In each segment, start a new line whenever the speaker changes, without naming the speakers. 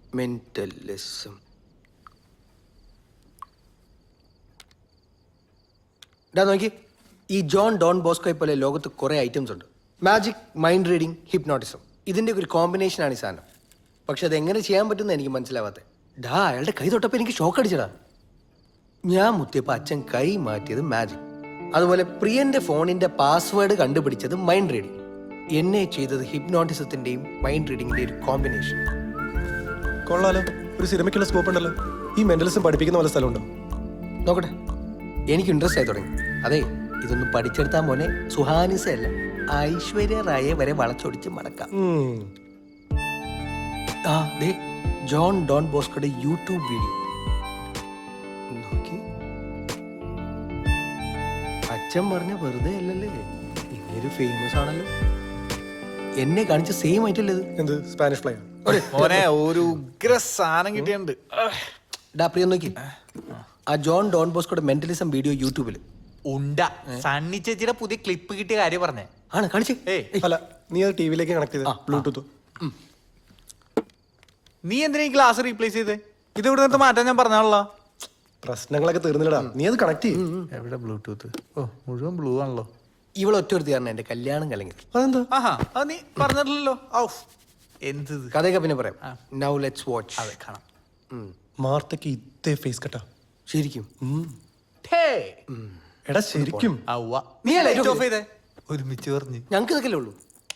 Mentalism. ഇതാ നോക്കി, ഈ ജോൺ ഡോൺ ബോസ്കോയെ പോലെ ലോകത്ത് കുറേ ഐറ്റംസ് ഉണ്ട്. മാജിക്, മൈൻഡ് റീഡിങ്, ഹിപ്നോട്ടിസം, ഇതിൻ്റെ ഒരു കോമ്പിനേഷനാണ് ഈ സാധനം. പക്ഷെ അതെങ്ങനെ ചെയ്യാൻ പറ്റുമെന്ന് എനിക്ക് മനസ്സിലാവാത്തത്. അയാളുടെ കൈ തൊട്ടപ്പോൾ എനിക്ക് ഷോക്ക് അടിച്ചടാ. ഞാൻ മുത്തിയപ്പോൾ അച്ഛൻ കൈ മാറ്റിയത് മാജിക്. അതുപോലെ പ്രിയന്റെ ഫോണിന്റെ പാസ്വേഡ് കണ്ടുപിടിച്ചത് മൈൻഡ് റീഡിങ്. എന്നെ ചെയ്തത് ഹിപ്നോട്ടിസത്തിന്റെയും മൈൻഡ് റീഡിങ്ങിന്റെയും ഒരു കോമ്പിനേഷൻ.
കൊള്ളാലോ, ഒരു സിനിമയ്ക്കുള്ള സ്കോപ്പ് ഉണ്ടല്ലോ. ഈ മെന്റലിസം പഠിപ്പിക്കുന്ന പോലെ സ്ഥലമുണ്ടോ?
നോക്കട്ടെ, എനിക്ക് ഇൻട്രസ്റ്റ് ആയി തുടങ്ങി. അതെ, ഇതൊന്നും പഠിച്ചെടുത്താൽ മോനെ സുഹാനിസല്ല ഐശ്വര്യ റായെ വരെ വളച്ചൊടിച്ച് മടക്കാം. ജോൺ ഡോൺ ബോസ്കോയുടെ യൂട്യൂബ് വീഡിയോ നോക്കി. അച്ഛൻ പറഞ്ഞ വെറുതെ അല്ലല്ലേ, ഇങ്ങനൊരു ഫേമസ് ആണല്ലോ. എന്നെ കാണിച്ച സെയിം ആയിട്ടല്ലേ ഇത്?
എന്ത് സ്പാനിഷ് ഫ്ലൈ?
ഒരു ഉഗ്ര സാധനം കിട്ടിയുണ്ട്.
പ്രിയ നോക്കി, ആ ജോൺ ഡോൺ ബോസ്കോയുടെ മെന്റലിസം വീഡിയോ യൂട്യൂബിൽ
ഉണ്ട. സണ്ണി ചേച്ചിയുടെ പുതിയ ക്ലിപ്പ് കിട്ടിയ കാര്യം പറഞ്ഞേ.
ആണ് കാണിച്ചേ?
അല്ല, നീ അത് ടിവിയിലേക്ക് കണക്ട് ചെയ്ത ബ്ലൂടൂത്ത്.
നീ എന്തിനാ ഈ ഗ്ലാസ് റീപ്ലേസ് ചെയ്തേ? ഇത് ഇവിടെ നിന്ന് മാറ്റാൻ ഞാൻ പറഞ്ഞാണല്ലോ.
പ്രശ്നങ്ങളൊക്കെ തീർന്നില്ലടാ, നീ അത് കണക്ട് ചെയ്യും.
എവിടെ ബ്ലൂടൂത്ത്? ഓ, മുഴുവൻ ബ്ലൂ ആണല്ലോ.
ഇവളൊറ്റ ഒരു കാരണം എന്റെ കല്യാണം കലങ്ങിയത്.
അതെന്താ?
ആഹാ, അത് നീ പറഞ്ഞിട്ടില്ലല്ലോ. എന്ത്
കഥയൊക്കെ പിന്നെ പറയാം. Now let's watch.
അതെ, കാണാം.
മാർത്തക്ക് ഇതേ ഫേസ് കട്ടാ
ശരിക്കും?
എടാ ശരിക്കും.
നീ ലൈറ്റ് ഓഫ് ചെയ്തേ. ഒരുമിച്ച് പറഞ്ഞു.
ഞങ്ങൾക്ക് ഇതൊക്കെ ഉള്ളൂ.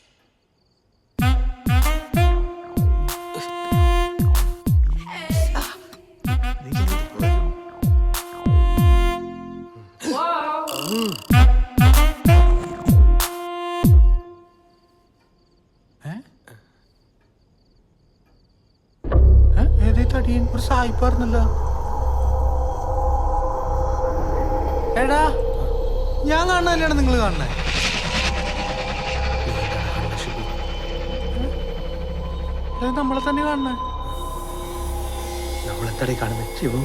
ഒരു സായിപ്പാർന്നല്ലോ. എടാ, ഞാൻ കാണുന്നതല്ലാണ് നിങ്ങൾ കാണുന്നേ. നമ്മളെ തന്നെ കാണുന്നേ.
നമ്മളെത്തടെ കാണുന്നേ? ശിവു,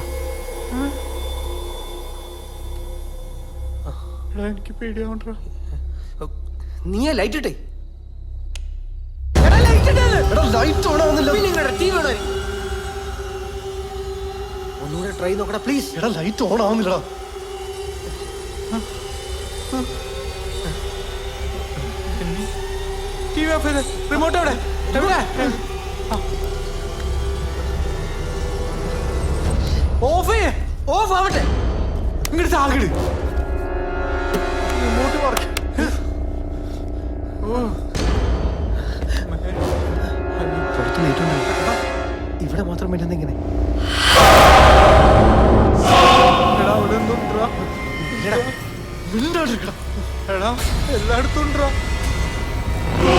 എനിക്ക് പേടിയാവണ്ട.
നീ ലൈറ്റ് ഇട്ടേ. ഒന്നുകൂടെ ട്രൈ നോക്കടാ പ്ലീസ്.
എടാ ലൈറ്റ് ഓൺ ആവുന്നില്ലടാ.
ടിവി ഓഫ് ചെയ്ത്. റിമോട്ട് എവിടെ? ഓഫ് ചെയ്യേ.
ഓഫ് ആവട്ടെ.
ഇങ്ങോട്ട് താകിട്. Remote work.
ഇവിടെ മാത്രം പറ്റുന്ന ഇങ്ങനെ.
എല്ലായിടത്തും